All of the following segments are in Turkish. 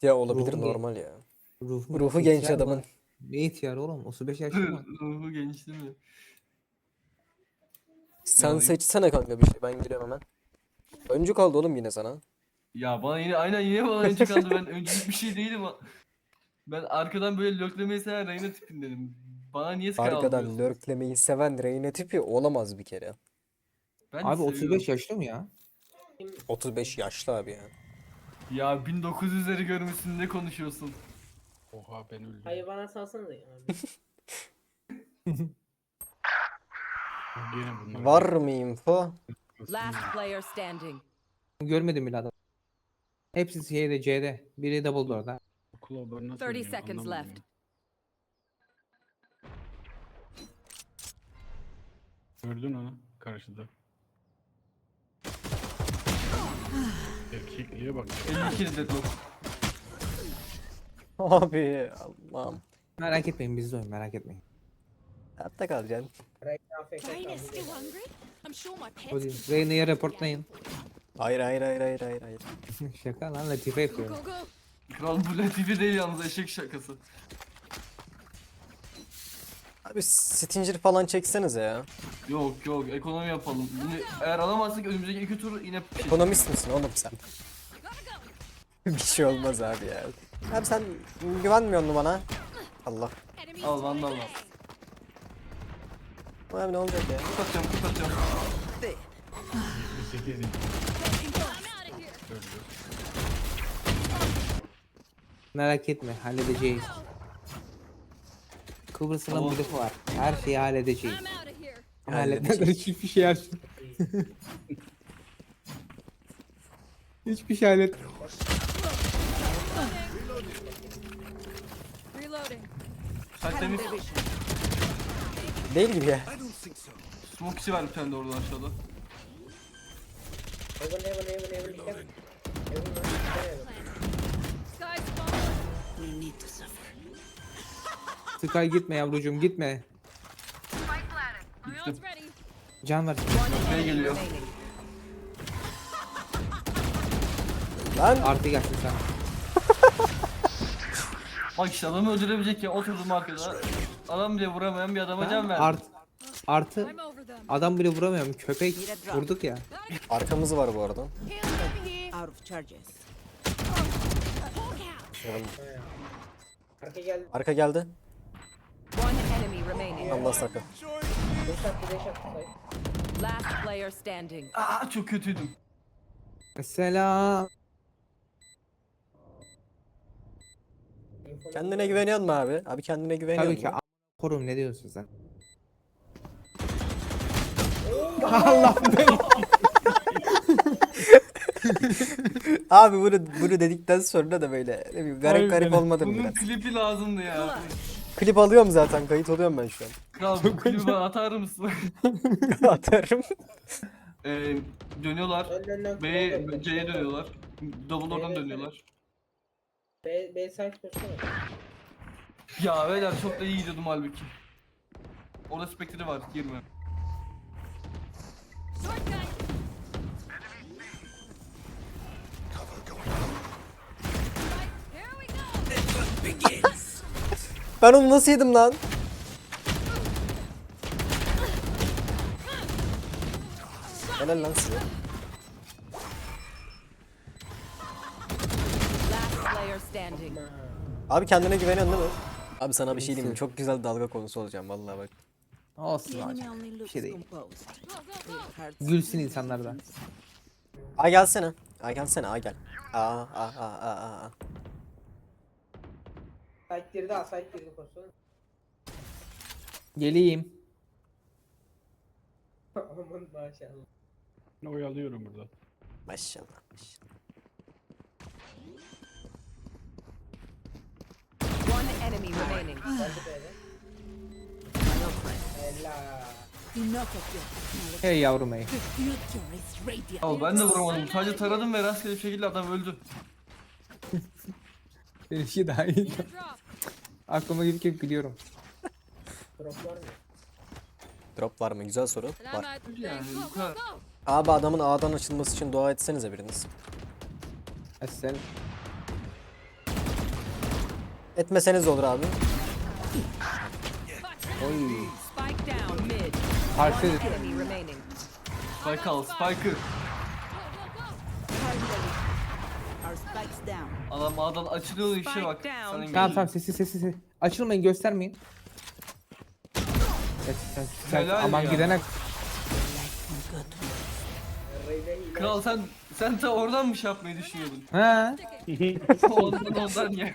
Ya olabilir, Ruhu normal ya. Ruhu, Ruhu genç ihtiyar adamın. mı? Ne ihtiyar oğlum? 35 yaşlı mı? Ruhu genç değil mi? Sen alayım. seçsene kanka bir şey, ben giriyorum hemen. Öncü kaldı oğlum yine sana. Ya bana yine aynen yine bana önce kaldı. Ben öncülük bir şey değilim. Ben arkadan böyle löklemeyi seven Reyna tipindenim. Bana niye Sky Arkadan aldırıyorsun? lurklemeyi seven Reyna tipi olamaz bir kere. Ben Abi seviyorum. 35 yaşlı mı ya? 35 yaşlı abi ya. Ya 1900'leri görmüşsün, ne konuşuyorsun? Oha ben öldüm. Hayır bana salsana ya abi. Gene bunlar. Var mı info? Last player standing. Görmedim bile adam. Hepsi şeyde C'de. Biri double door'da. Okul haber nasıl 30 oynuyor? seconds Anlamadım left. ya. Gördün onu karşıda. Erkekliğe bak. 52 deadlock. Abi Allah'ım. Merak etmeyin bizde oyun merak etmeyin. Hatta kalacaksın. AFK kaldı. I'm sure my pets Hadi Reyna'ya reportlayın. Hayır hayır hayır hayır hayır hayır. Şaka lan Latife yapıyorum. go. Kral bu latife değil yalnız, eşek şakası. Abi Stinger falan çeksenize ya. Yok yok, ekonomi yapalım. Yine, eğer alamazsak önümüzdeki 2 tur yine bir şey. Ekonomist misin oğlum sen? Bir şey olmaz abi ya. Abi sen güvenmiyor musun bana? Allah. Al vandal al. Abi ne olacak ya? Kurt atacağım, kurt atacağım. 78 inç. Gördü. Merak etme halledeceğiz. Kıbrıs'ın Tamam. bir lafı var. Her şeyi halledeceğiz. I'm out of here. Halletmeden hiçbir şey yapsın. Hiçbir şey hallet. Reloading. Sen temiz. Değil gibi ya. Smoke içi var bir tane de oradan aşağıda. Heaven. Dikkat. Heaven var. Sky spawn. Sky gitme yavrucuğum gitme. My ult's ready. Can ver. Şey Enemy geliyor. remaining. Lan Artı gelsin sana. Bak işte adamı öldürebilecek ya, oturdum arkada. Adam bile vuramayan bir adama can verdim. Artı I'm over them. adam bile vuramıyorum. Köpek vurduk ya. arkamız var bu arada. Heal over here. Out of charges. Arka geldi. Arka geldi. One enemy remaining. Allah sakın. Deş attı say. Last player standing. Aa çok kötüydüm. Selam. Kendine güveniyor musun abi? Abi kendine güveniyor Tabii ki musun? korum ne diyorsun sen? Allah be. Abi bunu dedikten sonra da böyle ne bileyim, garip garip olmadı mı Bunun biraz? klipi lazımdı ya. Klip alıyorum zaten, kayıt oluyorum ben şu an. Kral bu klibi bana atar mısın? Atarım. Dönüyorlar. Önden C'ye dönüyorlar. Double oradan dönüyorlar. B site koşsana. Ya beyler çok da iyi gidiyordum halbuki. Orada Spectre var, girme. Short gun. Here we go. Ben onu nasıl yedim lan? Helal lan size. Last player standing. Abi kendine güveniyorsun değil mi? Abi sana bir şey diyeyim mi? Çok güzel dalga konusu olacağım vallahi bak. Olsun The enemy hocam. only looks şey değil. composed. Go go go. It hurts Gülsün insanlar da. Ay gelsene. Ay gelsene, ay gel. Aa. Site girdi ha, site girdi koşsana. Geleyim. Aman maşallah. Oyalıyorum burada. Maşallah. One enemy remaining. Geldi B'de. Helal. enough of your technology. Hey yavrum hey. The future is radiant. Al ben de vuramadım. Sadece taradım ve rastgele bir şekilde adam öldü. Bir şey daha iyi. Need a drop. Aklıma gelip gülüyorum. Drop var mı? Drop var mı? Güzel soru. And I'm Var. out. Yani Go bu go kadar. go. Abi adamın A'dan açılması için dua etsenize biriniz. Sen Etmeseniz de olur abi. Oy. Spike down mid. Karşı One enemy remaining. Spike al, Spike'ı. Our spikes down. Adam A'dan açılıyor işe Spike bak. down. Sana Tamam geliyor. tamam sessiz. Açılmayın göstermeyin. Sen Helal aman ya. gidene Reyna hile. Kral sen ta oradan mı şey yapmayı düşünüyordun? ha. ondan ya.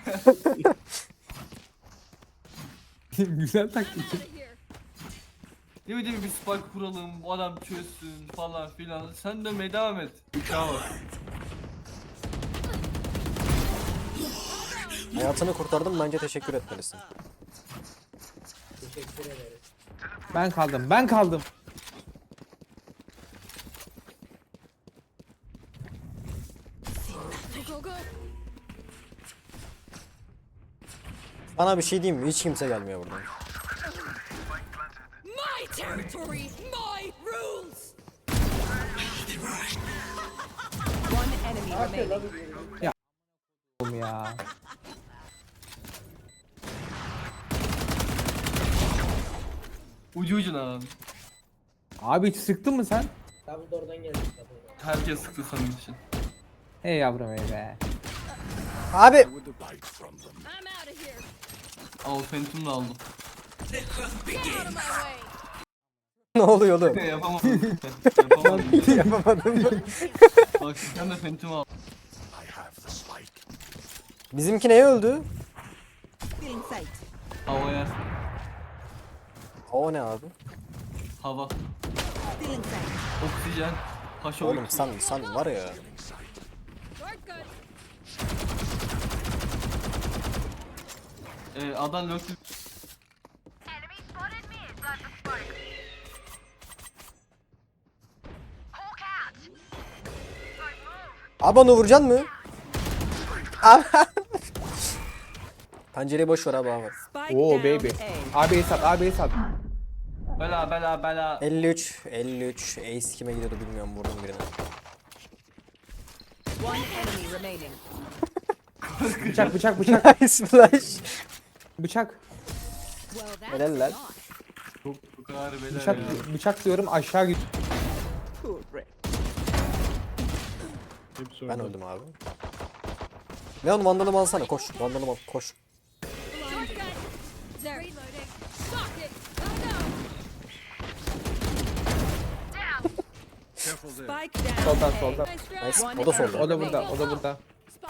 Güzel taktik. Ne bileyim bir spike kuralım, bu adam çözsün falan filan. Sen dönmeye devam et. Uçağı var. Hayatını kurtardım, bence teşekkür etmelisin. Teşekkür ederiz. Ben kaldım. Bana bir şey diyeyim mi? Hiç kimse gelmiyor buradan. My territory, my rules. One enemy remaining. Oğlum ya. Ucu ucuna lan. Abi hiç sıktın mı sen? Double door'dan geldik. Double door. Herkes sıktı senin için. Hey yavrum hey be. Abi! I'm out of here. Al Phantom'u da aldım. Get out of my way. Ne oluyor oğlum? Yapamadım. Yapamadım. Yapamadım mı? Bak sen de Phantom'u al. Bizimki neye öldü? Feeling sight. Havaya. O ne abi? Hava. Feeling sight. Oksijen. Haşo. Oğlum sen var ya. Adam löktü. Abi onu vuracaksın mı? Abi. Pencereyi boş ver abi abi. Spike Oo down baby. A. Abi sat. Bela. 53. Ace kime gidiyordu bilmiyorum, vurdum birine. One enemy remaining. Bıçak. Nice flash. Bıçak. Well, that's Helal lan. Bu kadar bela Bıçak, ya. bıçak diyorum aşağı git. Hepsi Ben orada. öldüm abi. Leon vandalımı alsana, koş. Vandalımı al, koş. There. Reloading. Sock it. Spike down. Soldan. Nice. One O da solda. O da burada.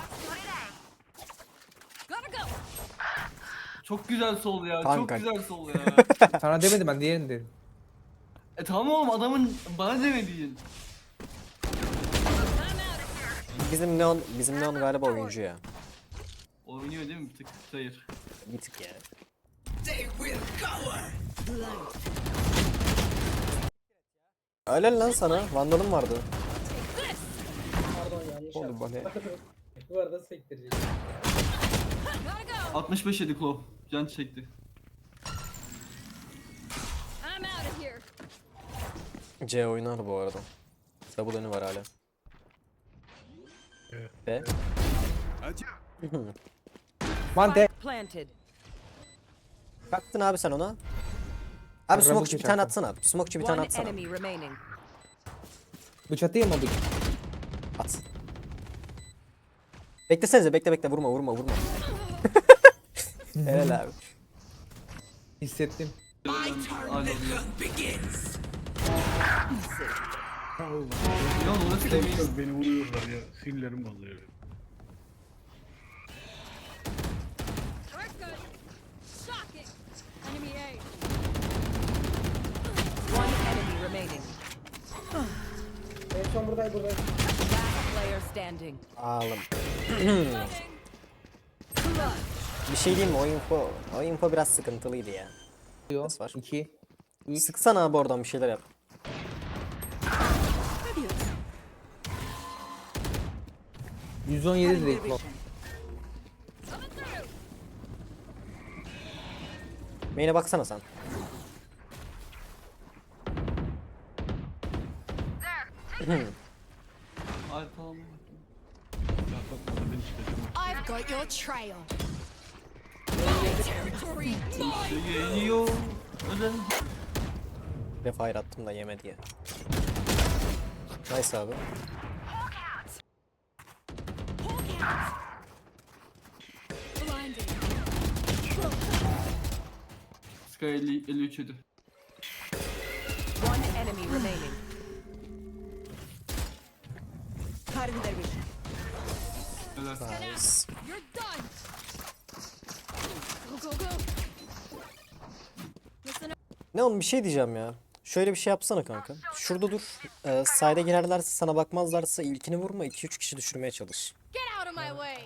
Gotta go. Çok güzel sol ya. Kanka. Çok güzel sol ya. Sana demedim ben diğerini dedim. Tamam oğlum adamın bana demediğin. Bizim Leon galiba oyuncu ya. Oynuyor değil mi bir tık? Hayır. Bir tık ya. Öyle lan sana. Vandalım vardı. Pardon yanlış Oldu yaptım. bana. Bu arada sektirecek. 65 yedi Claw. Can çekti. I'm out of here. C oynar bu arada. Double önü var hala. B. Mante. Planted. Baktın abi sen ona. Abi Araba smokeçi bir tane geçerken. atsana. Smokeçi bir tane One atsana. enemy remaining. Bıçatayım mı bıçak? At. Beklesenize, bekle vurma. Helal abi. Hissettim. Alo. Ya orası demeyiz. Çok beni vuruyorlar ya. Sinirlerim bozuyor. We're good. Sock it. Enemy A. One enemy remaining. En son buradaydı. Last player standing. Ağlım. Bir şey diyeyim mi? O info biraz sıkıntılıydı ya. Nasıl var? 2. Sıksana abi oradan bir şeyler yap. Fabulous. 117 direkt bu. Main'e baksana sen. Ay tamam. I've got your trail. Territory mine. Geliyor. Özel. Bir fire attım da yemedi ya. Nice abi. Blinded. Sky 53 yedi. One enemy remaining. Cutting their vision. Helal. Nice. You're done. Go, go, go. Listen up. Ne oğlum bir şey diyeceğim ya. Şöyle bir şey yapsana kanka. Şurada dur. Side'e girerlerse sana bakmazlarsa ilkini vurma. 2-3 kişi düşürmeye çalış. Get out of my way.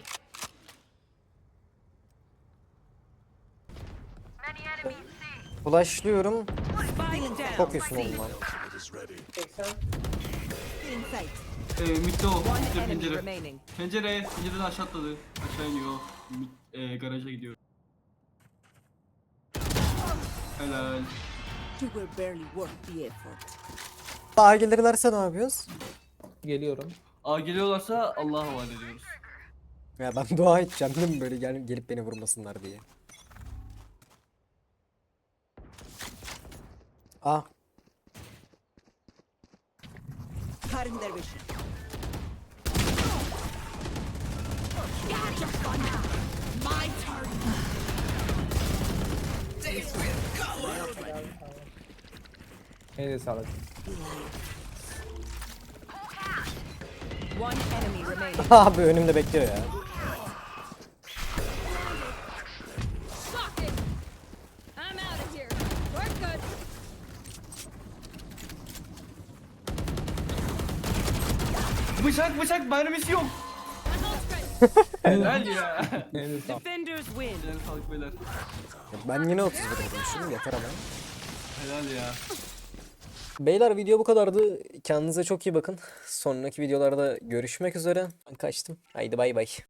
Flashlıyorum. Spike down. Çok iyisin oğlum lan. 80. Still in sight. Mid'de o. One Mid'de enemy pencere. remaining. Pencereden aşağı atladı. Aşağı iniyor. Garaja gidiyor. Helal. You were barely worth the effort. Daha gelirlerse ne yapıyoruz? Geliyorum. A geliyorlarsa Allah'a havale ediyoruz. Ya ben dua edeceğim değil mi böyle gelip beni vurmasınlar diye. Ah Cutting their vision. My turn. Neyse sağlık. One enemy remaining. abi önümde bekliyor ya. Shock it. I'm out of here. We're good. Bıçak mermisi yok. My ult's ready. Helal ya. Neyse sağlık. Defenders win. Helal sağlık beyler. Ben yine 31 vurmuşum yeter ama. Helal ya. Beyler video bu kadardı. Kendinize çok iyi bakın. Sonraki videolarda görüşmek üzere. Ben kaçtım. Haydi bay bay.